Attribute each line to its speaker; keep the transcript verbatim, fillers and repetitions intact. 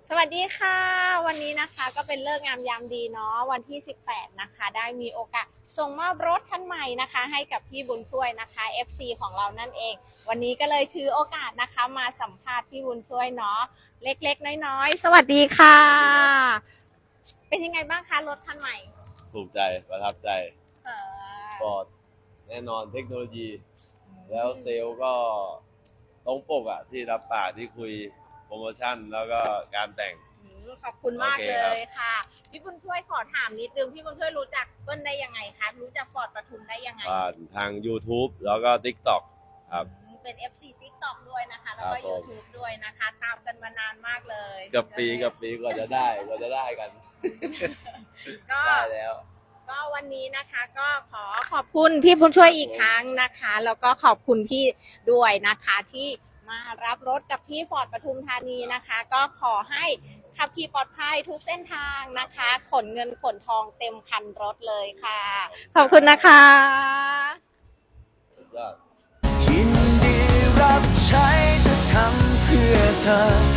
Speaker 1: สวัสดีค่ะวันนี้นะคะก็เป็นเลิกษ์งามยามดีเนาะวันที่สิบแปดนะคะได้มีโอกาสส่งมอบรถคันใหม่นะคะให้กับพี่บุญช่วยนะคะ เอฟ ซี ของเรานั่นเองวันนี้ก็เลยถือโอกาสนะคะมาสัมภาษณ์พี่บุญช่วยเนาะเล็กๆน้อยๆสวัสดีค่ะเป็นยังไงบ้างคะรถคันใหม่
Speaker 2: ถูกใจประทับใจฟอร์ดแน่นอนเทคโนโลยีแล้วเซลล์ก็ตรงปกอะที่รับปากที่คุยโปรโมชั่นแล้วก็การแต่ง
Speaker 1: ขอบคุณมากเลยค่ะพี่บุญช่วยขอถามนิดนึงพี่บุญช่วยรู้จักเปิ้ลได้ยังไงคะรู้จักฟอร์ดปทุมได้ยังไง
Speaker 2: ผ่านทาง YouTube แล้วก็ ติ๊กต็อก ครับ
Speaker 1: เป็น เอฟ ซี ติ๊กต็อก ด้วยนะคะแล้วก็ YouTube ด้วยนะคะตามกันมานานมากเลย
Speaker 2: กับปีกับปีกว่าจะได้กว่าจะได้กัน
Speaker 1: ก็
Speaker 2: ได้แล้ว
Speaker 1: ก็วันนี้นะคะก็ขอขอบคุณพี่บุญช่วยอีกครั้งนะคะแล้วก็ขอบคุณพี่ด้วยนะคะที่มารับรถกับที่ฟอร์ดปทุมธานีนะคะก็ขอให้ขับขี่ปลอดภัยทุกเส้นทางนะคะขนเงินขนทองเต็มคันรถเลยค่ะขอบคุณนะคะ
Speaker 2: ยินดีรับใช้จะทำเพื่อเธอ